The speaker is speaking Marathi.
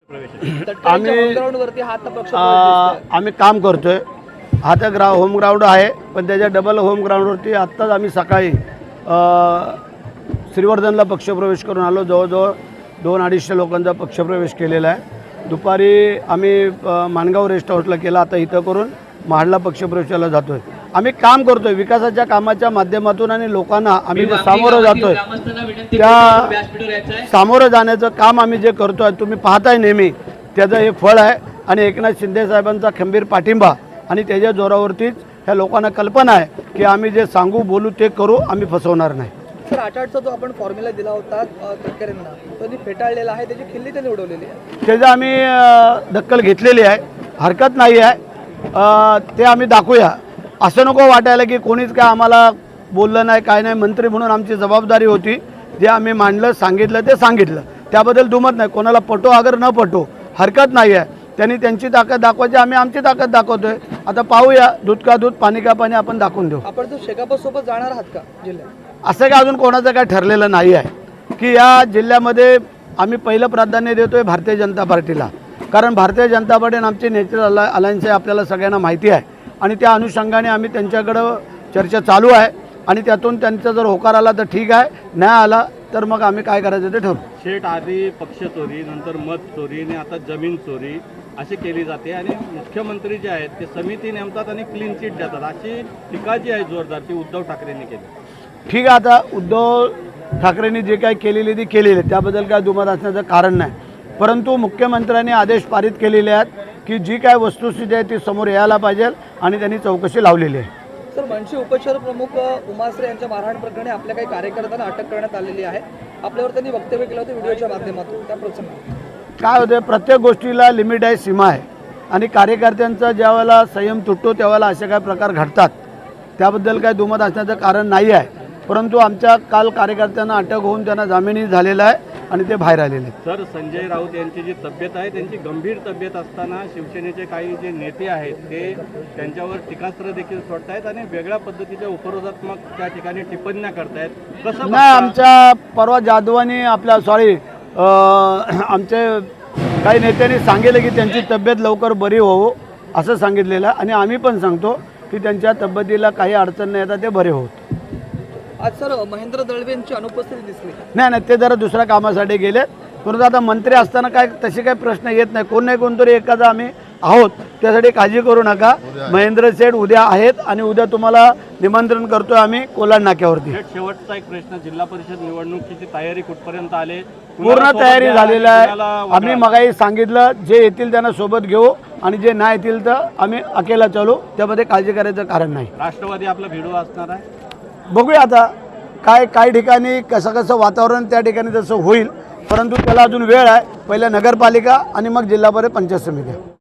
आम्ही काम करतोय. हा तर होम ग्राउंड आहे, पण त्याच्या डबल होम ग्राउंडवरती आत्ताच आम्ही सकाळी श्रीवर्धनला पक्षप्रवेश करून आलो. जवळजवळ 200-250 लोकांचा पक्षप्रवेश केलेला आहे. दुपारी आम्ही माणगाव रेस्ट हाऊसला केला, आता इथं करून महाडला पक्षप्रवेशाला जातोय. आम्ही काम करतोय विकासाच्या कामाच्या माध्यमातून आणि लोकांना आम्ही जे सामोरं जातोय त्या सामोरं जाण्याचं काम आम्ही जे करतोय तुम्ही पाहताय नेहमी त्याचं हे फळ आहे. आणि एकनाथ शिंदे साहेबांचा खंबीर पाठिंबा आणि त्याच्या जोरावरतीच ह्या लोकांना कल्पना आहे की आम्ही जे सांगू बोलू ते करू, आम्ही फसवणार नाही. सर, 8-8चा जो आपण फॉर्म्युला दिला होता तटकरेंना तो फेटाळलेला आहे, त्याची खिल्ली त्यांनी उडवलेली आहे. त्याचं आम्ही दखल घेतलेली आहे, हरकत नाही आहे. ते आम्ही दाखवूया. असं नको वाटायला की कोणीच काय आम्हाला बोललं नाही काय नाही. मंत्री म्हणून आमची जबाबदारी होती, जे आम्ही मांडलं सांगितलं ते सांगितलं, त्याबद्दल दुमत नाही. कोणाला पटो अगर न पटो हरकत नाही आहे. त्यांनी त्यांची ताकद दाखवायची, आम्ही आमची ताकद दाखवतोय. आता पाहूया, दूध का दूध पाणी का पाणी आपण दाखवून देऊ. आपण जो शेकापसोबत जाणार आहात का जिल्ह्यात? असं काय अजून कोणाचं काय ठरलेलं नाही आहे की या जिल्ह्यामध्ये आम्ही पहिलं प्राधान्य देतोय भारतीय जनता पार्टीला. कारण भारतीय जनता पार्टी आणि आमची नॅचरल अलायन्स आहे आपल्याला सगळ्यांना माहिती आहे. आणि त्या अनुषंगाने आम्ही त्यांच्याकडं चर्चा चालू आहे आणि त्यातून त्यांचा जर होकार आला तर ठीक आहे, नाही आला तर मग आम्ही काय करायचं ते ठरवू. शेठ, आधी पक्ष चोरी, नंतर मत चोरी आणि आता जमीन चोरी अशी केली जाते आणि मुख्यमंत्री जे आहेत ते समिती नेमतात आणि क्लीन चिट देतात, अशी टीका जी आहे जोरदार ती उद्धव ठाकरेंनी केली. ठीक आहे, आता उद्धव ठाकरेंनी जे काही केलेली ती केलेली, त्याबद्दल काय दुमत असण्याचं कारण नाही. परंतु मुख्यमंत्र्यांनी आदेश पारित केलेले आहेत की जी काय वस्तुस्थिती आहे ती समोर यायला पाहिजे आणि त्यांनी चौकशी लावलेली आहे. सर, मनसे उपशहर प्रमुख उमाश्रे यांच्या मारहाण प्रकरणी आपल्या काही कार्यकर्त्यांना अटक करण्यात आलेली आहे. आपल्यावर त्यांनी वक्तव्य केलं होतं व्हिडिओच्या माध्यमातून, त्या प्रसंगी काय होते, प्रत्येक गोष्टीला लिमिट आहे, सीमा आहे. आणि कार्यकर्त्यांचा ज्यावेळेला संयम तुटतो त्यावेळेला असे काय प्रकार घडतात, त्याबद्दल काय दुमत असण्याचं कारण नाही आहे. परंतु आमच्या काल कार्यकर्त्यांना अटक होऊन त्यांना जामीनही झालेला आहे आणि ते बाहेर आलेले. सर, संजय राऊत यांची जी तब्येत आहे त्यांची गंभीर तब्येत असताना शिवसेनेचे काही जे नेते आहेत ते त्यांच्यावर टीकास्त्र देखील सोडतायत आणि वेगळ्या पद्धतीच्या उपरोधात्मक त्या ठिकाणी टिप्पण्या करतायत. कसं नाही, आमच्या परवा जाधवांनी आमचे काही नेत्यांनी सांगितलं की त्यांची तब्येत लवकर बरी होवो असं सांगितलेलं आहे आणि आम्ही पण सांगतो की त्यांच्या तब्येतीला काही अडचण नाही येतात, ते बरे होत. आज सर महेंद्र दळवे यांची अनुपस्थिती दिसली. नाही, ते जरा दुसऱ्या कामासाठी गेलेत. परंतु आता मंत्री असताना काय तसे काही प्रश्न येत नाही. कोण नाही कोणतरी एखादा आम्ही आहोत, त्यासाठी काळजी करू नका. महेंद्र सेठ उद्या आहेत आणि उद्या तुम्हाला निमंत्रण करतोय आम्ही कोलाड नाक्यावरती. शेवटचा एक प्रश्न, जिल्हा परिषद निवडणुकीची तयारी कुठपर्यंत आले? पूर्ण तयारी झालेली आहे. आम्ही मगाही सांगितलं, जे येतील त्यांना सोबत घेऊ आणि जे नाही येतील तर आम्ही अकेला चालू, त्यामध्ये काळजी करायचं कारण नाही. राष्ट्रवादी आपला भिडू असणार आहे, बघूया आता काही ठिकाणी कसं वातावरण त्या ठिकाणी तसं होईल. परंतु त्याला अजून वेळ आहे. पहिल्या नगरपालिका आणि मग जिल्हा परिषद पंचायत समिती.